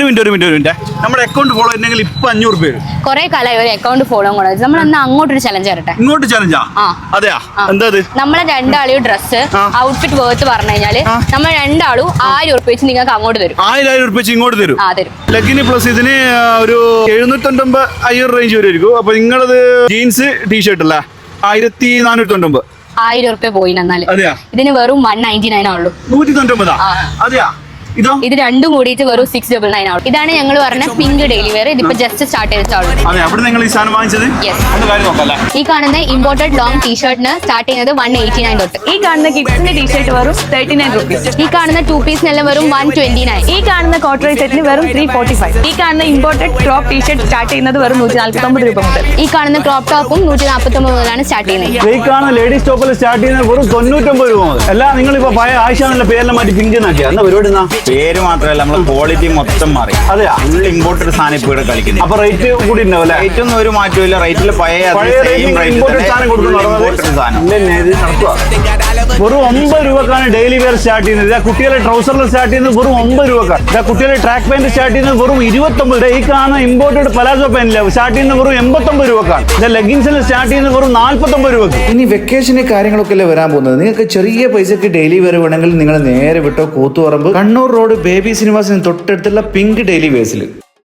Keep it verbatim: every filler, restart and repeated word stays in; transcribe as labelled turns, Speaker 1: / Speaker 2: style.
Speaker 1: ഒരു മിനിറ്റ് ഒരു മിനിറ്റ് ഒരു മിനിറ്റ് നമ്മുടെ അക്കൗണ്ട് ഫോളോ ചെയ്യണമെങ്കിൽ ഇപ്പൊ അഞ്ഞൂറ് രൂപ
Speaker 2: കുറെ കാലമായി ഒരു അക്കൗണ്ട് ഫോളോ കൂടെ നമ്മൾ അന്ന് അങ്ങോട്ടൊരു ചലഞ്ച് തരട്ടെ.
Speaker 1: ഇങ്ങോട്ട് ചലഞ്ചാ? അതെയാ, എന്താ
Speaker 2: നമ്മളെ രണ്ടാളും ഡ്രസ്സ് ഔട്ട്ഫിറ്റ് വേർത്ത് പറഞ്ഞു കഴിഞ്ഞാല് നമ്മൾ രണ്ടാളും ആയിരം ഉറുപ്പ വെച്ച് നിങ്ങൾക്ക് അങ്ങോട്ട് തരും.
Speaker 1: ആയിരം ആയിരം ഉറുപ്പ വെച്ച് ഇങ്ങോട്ട് തരും.
Speaker 2: ആ തരും.
Speaker 1: ലഗിന് പ്ലസ് ഇതിന് ഒരു എഴുന്നൂറ്റൊമ്പത് അയ്യൂറ് റേഞ്ച് വരുമായിരിക്കും. അപ്പൊ നിങ്ങളത് ജീൻസ് ടീഷർട്ട് അല്ലേ ആയിരത്തി നാനൂറ്റി തൊണ്ണൂറ്റൊമ്പത്
Speaker 2: ആയിരം ഉറുപ്പ പോയി എന്നാല്
Speaker 1: അതെയാ
Speaker 2: ഇതിന് വെറും വൺ നയൻറ്റി നയൻ ആവുള്ളൂ.
Speaker 1: നൂറ്റി തൊണ്ണൂറ്റൊമ്പതാ? അതെയാ. ഇതോ?
Speaker 2: ഇത് രണ്ടും കൂടിയിട്ട് വെറും സിക്സ് ഡബിൾ നയൻ ആവും. ഇതാണ് ഞങ്ങൾ പറഞ്ഞ പിങ്ക് ഡെയിലി വെയർ. ഇതിപ്പോ ജസ്റ്റ് സ്റ്റാർട്ട് ചെയ്തിട്ടുള്ളൂ.
Speaker 1: അതെ, അവിടെ നിങ്ങൾ ഈ സാധനം വാങ്ങിച്ചത്?
Speaker 2: ഈ കാണുന്ന ഇമ്പോർട്ടഡ് ലോങ് ടീഷർട്ടിന് സ്റ്റാർട്ട് ചെയ്യുന്നത് വൺ എയ്റ്റി നയൻ തൊട്ട്.
Speaker 3: ഈ കാണുന്ന കിഡ്സിന്റെ ടീഷർട്ട് വെറും തേർട്ടി നയൻ റുപ്പീസ്.
Speaker 2: ഈ കാണുന്ന ടു പീസിനെല്ലാം വെറും വൺ ട്വന്റി നയൻ.
Speaker 3: ഈ കാണുന്ന കോട്ടറൈ സെറ്റിന് വെറും ത്രീ ഫോർട്ടി ഫൈവ്. ഈ കാണുന്ന ഇമ്പോർട്ടഡ് ക്രോപ്പ് ടീഷർട്ട് സ്റ്റാർട്ട് ചെയ്യുന്നത് വെറും നൂറ്റി നാൽപ്പത്തി ഒമ്പത് രൂപ മുതൽ.
Speaker 2: ഈ കാണുന്ന ക്രോപ്പ് ടോപ്പും നൂറ്റി നാൽപ്പത്തി ഒമ്പത് മുതലാണ് സ്റ്റാർട്ട് ചെയ്യുന്നത്.
Speaker 1: ഈ കാണുന്ന ലേഡീസ് ടോപ്പിൽ സ്റ്റാർട്ട് ചെയ്യുന്നത് വെറും തൊണ്ണൂറ്റൊമ്പത് രൂപ മുതൽ. അല്ല, നിങ്ങൾ ഇപ്പൊ പഴയ ആയിഷാന്നുള്ള പേരെല്ലാം മാറ്റി പിങ്ക് നാക്കിയാ എന്താ പരിപാടി?
Speaker 4: പേര് മാത്രമല്ല, നമ്മളെ ക്വാളിറ്റി മൊത്തം മാറി.
Speaker 1: അതെയാ,
Speaker 4: ഫുൾ ഇമ്പോർട്ടഡ് സാധനം ഇപ്പൊ ഇവിടെ കളിക്കുന്നത്.
Speaker 1: അപ്പൊ റേറ്റ് കൂടി ഉണ്ടാവും.
Speaker 4: റേറ്റ് ഒന്നും ഒരു മാറ്റമില്ല. റേറ്റിൽ പഴയ
Speaker 1: ഇമ്പോർട്ടഡ് സാധനം കൊടുക്കുന്നു. വെറും ഒമ്പത് രൂപക്കാണ് ഡെയിലി വെയർ സ്റ്റാർട്ട് ചെയ്യുന്നത്. കുട്ടികളെ ട്രൗസറിൽ സ്റ്റാർട്ട് ചെയ്യുന്നത് വെറും ഒമ്പത് രൂപക്കാണ്. കുട്ടികളെ ട്രാക്ക് പാന്റ് സ്റ്റാർട്ട് ചെയ്യുന്നത് വെറും ഇരുപത്തൊമ്പത്. ഈ കാണുന്ന ഇമ്പോർട്ടഡ് പലാസോ പാന്റില്ല സ്റ്റാർട്ട് ചെയ്യുന്നത് വെറും എൺപത്തൊമ്പത് രൂപക്കാണ്. ലെഗിൻസിൽ സ്റ്റാർട്ട് ചെയ്യുന്നത് വെറും നാല്പത്തൊമ്പത് രൂപക്ക്.
Speaker 5: ഇനി വെക്കേഷന് കാര്യങ്ങളൊക്കെ അല്ലേ വരാൻ പോകുന്നത്. നിങ്ങൾക്ക് ചെറിയ പൈസക്ക് ഡെയിലി വെയർ വേണമെങ്കിൽ നിങ്ങൾ നേരെ വിട്ടോ കൂത്തുപറമ്പ് കണ്ണൂർ റോഡ് ബേബി സിനിമാസിന് തൊട്ടടുത്തുള്ള പിങ്ക് ഡെയിലി വെയർസിൽ.